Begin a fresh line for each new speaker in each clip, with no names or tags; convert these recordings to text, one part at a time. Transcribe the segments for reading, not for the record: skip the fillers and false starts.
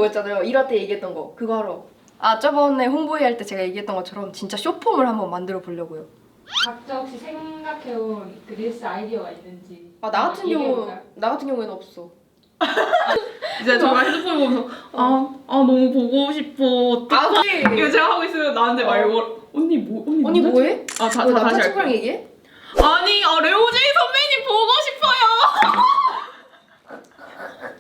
만들려고 했잖아요. 1화 때 얘기했던 거. 그거 하러. 아, 저번에 홍보회 할 때 제가 얘기했던 것처럼 진짜 쇼폼을 한번 만들어 보려고요.
각자 혹시 생각해온 그 릴스 아이디어가 있는지.
아, 나 같은 경우에는 없어.
이제 정말 핸드폰 보면서 너무 보고 싶어. 어떡해. 이거 제가 하고 있으면 나한테 말고 언니
언니 뭐해?
아,
나
다시
파친코랑
할게.
얘기해?
아니, 레오제이 선배님 보고 싶어요.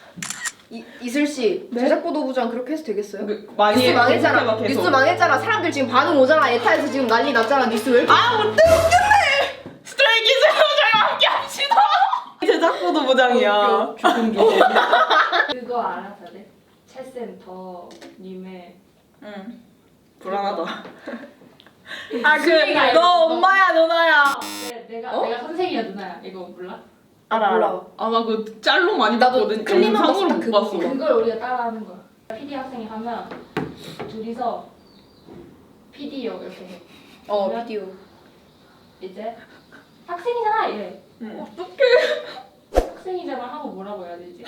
이슬씨,
네?
제작보도 부장 그렇게 해서 되겠어요?
많이
뉴스 망했잖아.
막 계속.
뉴스 망했잖아. 사람들 지금 반응 오잖아. 에타에서 지금 난리 났잖아. 뉴스 왜 이렇게.
못해 웃겼네. 스트레이키즈 저랑 함께 합시다. 제작보도 부장이야.
그거 알아 다들? 챗센터님의
응. 불안하다.
수미가
너
이거-
엄마야 누나야.
내가 선생이야 누나야 이거 몰라?
몰라.
나 그 짤로 많이
나도
봤거든.
클립만
영상으로
봤어,
못
그거.
봤어.
그걸 우리가 따라하는 거야. PD 학생이 하면 둘이서 PD요 이렇게 해.
비디오.
이제 학생이잖아 이래.
어떡해.
학생이잖아 하고 뭐라고 해야 되지?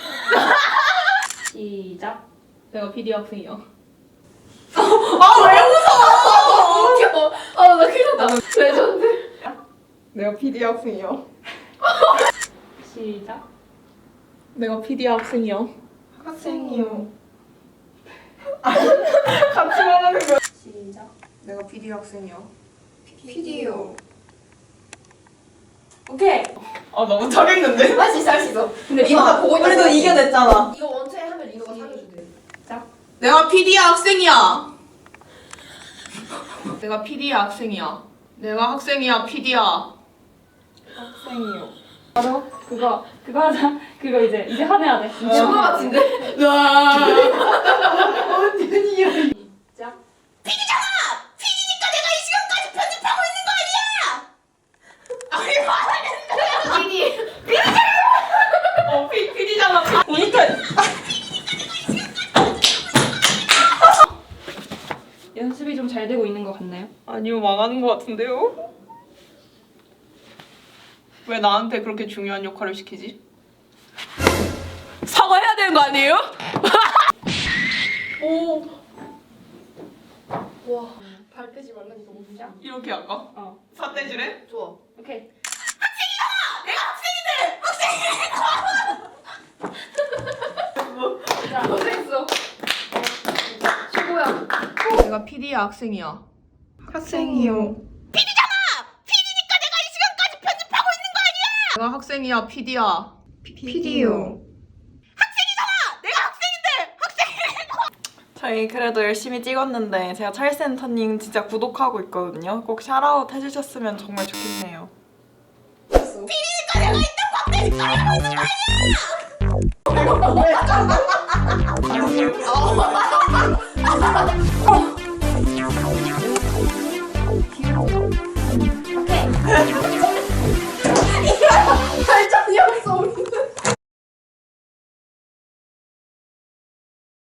시작.
내가 PD 학생이야.
웃겨. 나 큰일 났다. 레전드.
내가 PD 학생이야.
시작.
내가 PD 학생이야.
학생이요.
같이 말하는 거야.
시작.
내가 PD 학생이야.
PD요.
오케이.
너무 잘했는데?
할 수 있어. 근데 리노가 보고 있는
그래도 이겨냈잖아.
이거 원체 하면 리노가 사겨주대.
내가 PD 학생이야. 내가 PD 학생이야. 내가 학생이야. PD야.
학생이요.
바로 그거 하자. 그거 이제 화내야 돼.
친구 같은데?
시작.
PD잖아. 보니까
연습이 좀 잘 되고 있는 것 같나요?
아니요, 망하는 것 같은데요? 왜 나한테 그렇게 중요한 역할을 시키지? 사과해야 되는 거 아니에요? 오,
와, 발 빼지 말라니까 뭐
시작.
이렇게 할까? 사태질해?
좋아.
오케이.
고생했어. 최고야.
내가 PD야, 학생이야. 학생이요. 내가 학생이야, PD야.
PD요.
저희 그래도 열심히 찍었는데 제가 찰센터님 진짜 구독하고 있거든요. 꼭 샤라웃 해주셨으면 정말 좋겠네요.
내가 왜